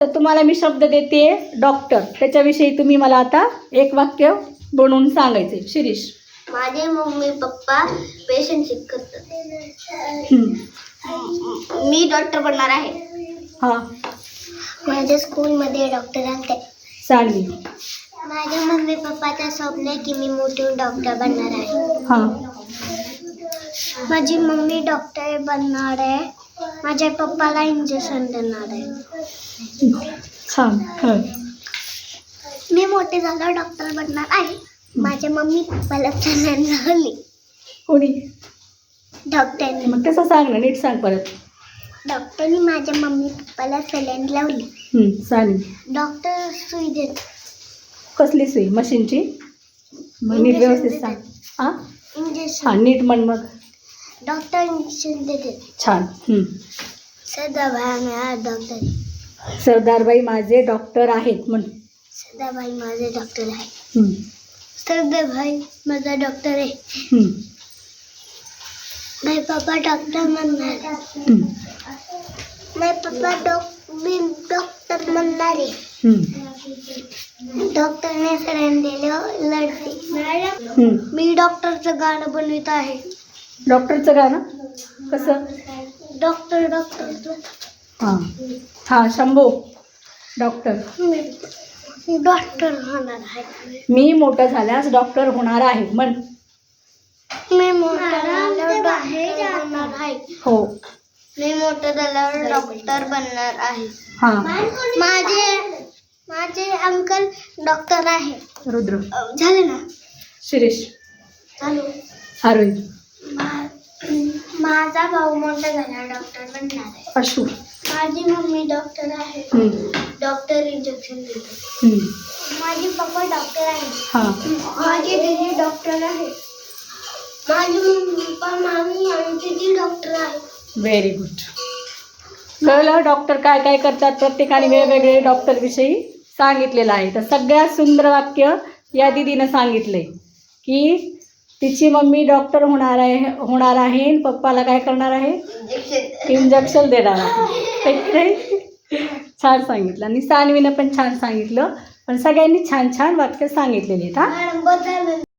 तर तुम्हाला मी शब्द देते डॉक्टर, त्याच्याविषयी तुम्ही मला आता एक वाक्य बनवून सांगायचे. शिरीष. माझे मम्मी पप्पा पेशंट चेक करतात. मी डॉक्टर बनणार आहे. हां. माझ्या स्कूलमध्ये डॉक्टर आणते. सानवी. माझ्या मम्मी पप्पाचं स्वप्न आहे की मी मोठी डॉक्टर बनणार आहे. हां. माझी मम्मी डॉक्टर बनणार आहे. माझ्या पप्पाला इंजेक्शन देणार आहे. छान. हां. मी मोठे झाल्यावर डॉक्टर बनणार आहे. माझ्या मम्मी पप्पाला सलाईन लावली. कोणी? डॉक्टरने. मग तसं सांग ना, नीट सांग परत. डॉक्टरने माझ्या मम्मी पप्पाला सलाईन लावली. सानवी. डॉक्टर सुई देत. कसली सुई? मशीनची? मग नीट व्यवस्थित सांग. हां इंजेक्शन. हां, नीट म्हण मग. डॉक्टर इंजेक्शन देते. छान. सदाभाई माझा डॉक्टर. सरदारबाई माझे डॉक्टर आहेत म्हण. सदाभाई माझे डॉक्टर आहे. सदाभाई माझा डॉक्टर आहे. माझे पप्पा डॉक्टर बनणार. माझे पप्पा मी डॉक्टर बनणार आहे. डॉक्टरने सलाईन दिलं लढते. मी डॉक्टरचं गाणं बनवित आहे. डॉक्टरचं गाणं कसं? Doctor doctor. हां हां. शंभू. डॉक्टर. मी डॉक्टर होणार आहे. मी मोठं झाल्यास डॉक्टर होणार आहे म्हण. मी मोठं झाल्यावर डॉक्टर बनणार आहे. हो. मी मोठं झाल्यावर डॉक्टर बनणार आहे. हां. माझे अंकल डॉक्टर आहे. रुद्र. झाले ना. शिरीष. हॅलो. आरोही. माझा भाऊ मोठा झाला डॉक्टर बनणार आहे. अशू. माझी मम्मी डॉक्टर आहे. डॉक्टर इंजेक्शन देते. माझे पप्पा डॉक्टर आहे. हां. माझी दीदी डॉक्टर आहे. माझी मम्मी पप्पा मामी आमची ती डॉक्टर आहे. Very good. कळलं डॉक्टर काय काय करतात? प्रत्येकाने वेगवेगळे डॉक्टरविषयी सांगितलेलं आहे. तर सगळ्यात सुंदर वाक्य या दीदीनं सांगितलंय की तिची मम्मी डॉक्टर होणार आहे. पप्पाला काय करणार आहे? इंजेक्शन देणार आहे. छान सांगितलं. आणि सानवीनं पण छान सांगितलं. पण सगळ्यांनी छान छान वाक्य सांगितलेली आहेत. हां.